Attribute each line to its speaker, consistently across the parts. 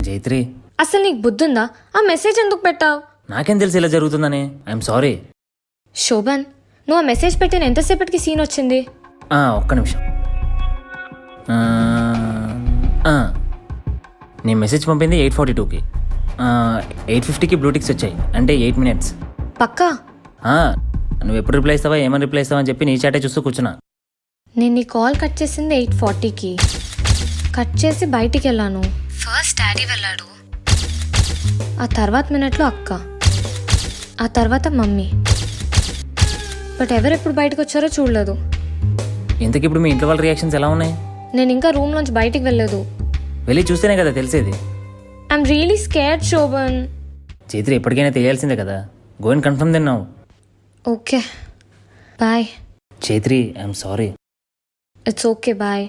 Speaker 1: జైత్రి,
Speaker 2: అసలు నీకు బుద్ధుందా? ఆ మెసేజ్ ఎందుకు పెట్టావు?
Speaker 1: నాకేం తెలిసి ఇలా జరుగుతుందని. I'm sorry.
Speaker 2: శోభన్, నువ్వు ఆ మెసేజ్ పెట్టిన ఎంతసేపటికి సీన్ వచ్చింది?
Speaker 1: ఒక్క నిమిషం. నేను మెసేజ్ పంపింది 8:42కి. 8:50కి బ్లూటిక్స్ వచ్చాయి, అంటే 8 minutes.
Speaker 2: పక్కా?
Speaker 1: నువ్వు ఎప్పుడు రిప్లై ఇస్తావా, ఏమని రిప్లై ఇస్తావా అని చెప్పి నీ చాటే చూస్తూ కూర్చున్నా.
Speaker 2: నేను నీ కాల్ కట్ చేసింది 8:40కి. కట్ చేసి బయటికి వెళ్ళాను. ఫస్ట్ డాడీ వెళ్ళాడు, ఆ తర్వాత మినిట్లో అక్క, ఆ తర్వాత మమ్మీ. బట్ ఎవరెప్పుడు బయటకు వచ్చారో చూడలేదు.
Speaker 1: ఇంతకి ఇప్పుడు మీ ఇంట్లో వాళ్ళ రియాక్షన్స్ ఎలా ఉన్నాయి?
Speaker 2: నేను ఇంకా రూమ్ నుంచి బయటికి వెళ్ళలేదు.
Speaker 1: వెళ్ళి చూస్తేనే కదా తెలిసేది.
Speaker 2: I'm really scared Shobhan.
Speaker 1: Chaitri, ఎప్పటికైనా తెలియాల్సిందే కదా. Go and confirm then now.
Speaker 2: Okay bye.
Speaker 1: Chaitri, I'm sorry.
Speaker 2: It's okay bye.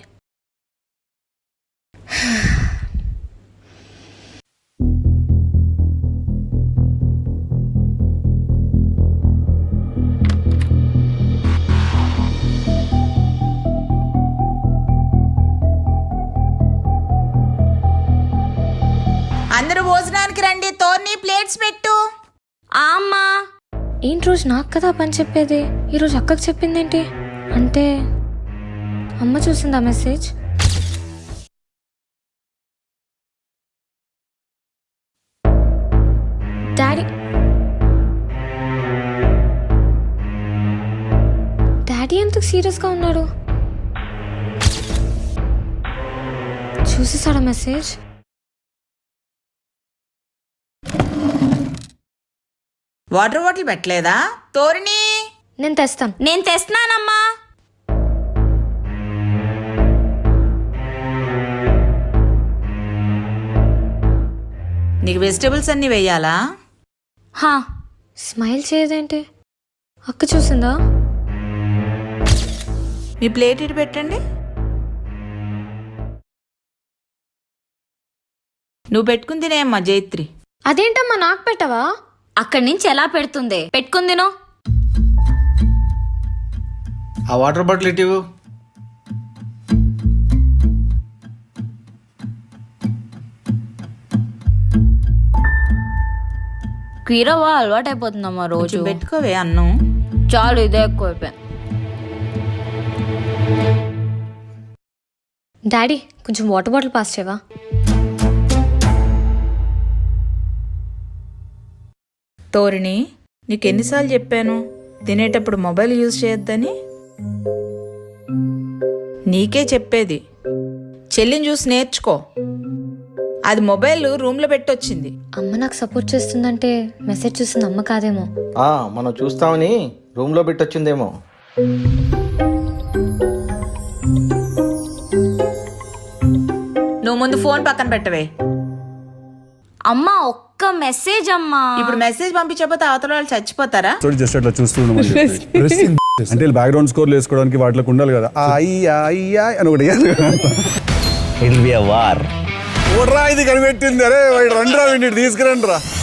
Speaker 3: అందరూ భోజనానికి రండి. తోర్ని ప్లేట్స్ పెట్టు.
Speaker 2: అమ్మా, ఏంటి రోజు నాకు కదా పని చెప్పేది, ఈరోజు అక్కకు చెప్పిందేంటి? అంటే అమ్మ చూసిందా మెసేజ్? డాడీ డాడీ ఎందుకు సీరియస్గా ఉన్నాడు? చూసేసాడా మెసేజ్?
Speaker 3: వాటర్ బాటిల్ పెట్టలేదా తోరిని?
Speaker 2: నేను తెస్తాను.
Speaker 3: నేను తెస్తున్నానమ్మా. నీకు వెజిటేబుల్స్ అన్ని వేయాలా?
Speaker 2: స్మైల్ చేయదేంటి? అక్క చూసిందా?
Speaker 3: మీ ప్లేట్ ఇటు పెట్టండి. నువ్వు పెట్టుకుని తినేమ్మా జైత్రి.
Speaker 2: అదేంటమ్మా నాకు పెట్టవా?
Speaker 4: అక్కడి నుంచి ఎలా పెడుతుంది? పెట్టుకుందినో.
Speaker 5: ఆ వాటర్ బాటిల్ ఇటు.
Speaker 4: కీరవా అలవాటు అయిపోతుందమ్మా రోజు.
Speaker 3: పెట్టుకోవే అన్నం.
Speaker 4: చాలు, ఇదే ఎక్కువైపోయింది.
Speaker 2: డాడీ, కొంచెం వాటర్ బాటిల్ పాస్ చేయవా?
Speaker 3: తోరిని, నీకు ఎన్నిసార్లు చెప్పాను తినేటప్పుడు మొబైల్ యూజ్ చేయొద్దని? నీకే చెప్పేది. చెల్లిని చూసి నేర్చుకో. అది మొబైల్ రూమ్లో పెట్టొచ్చింది.
Speaker 2: అమ్మ నాకు సపోర్ట్ చేస్తుందంటే మెసేజ్ చూసింది అమ్మ కాదేమో.
Speaker 5: మనం చూస్తామని రూమ్లో పెట్టొచ్చిందేమో.
Speaker 3: నువ్వు ముందు ఫోన్ పక్కన పెట్టవే.
Speaker 4: అమ్మా, ఒక్క మెసేజ్ అమ్మా.
Speaker 3: ఇప్పుడు మెసేజ్ పంపించకపోతే అవతల వాళ్ళు చచ్చిపోతారా?
Speaker 6: జస్ట్ అట్లా చూస్తున్నాం అంటే బ్యాక్గ్రౌండ్ స్కోర్ వేసుకోవడానికి వాటికి ఉండాలి కదా. అయ్యా అని ఒకటి ఇది కనిపెట్టింది. అరే రండి రా, తీసుకురండి రా.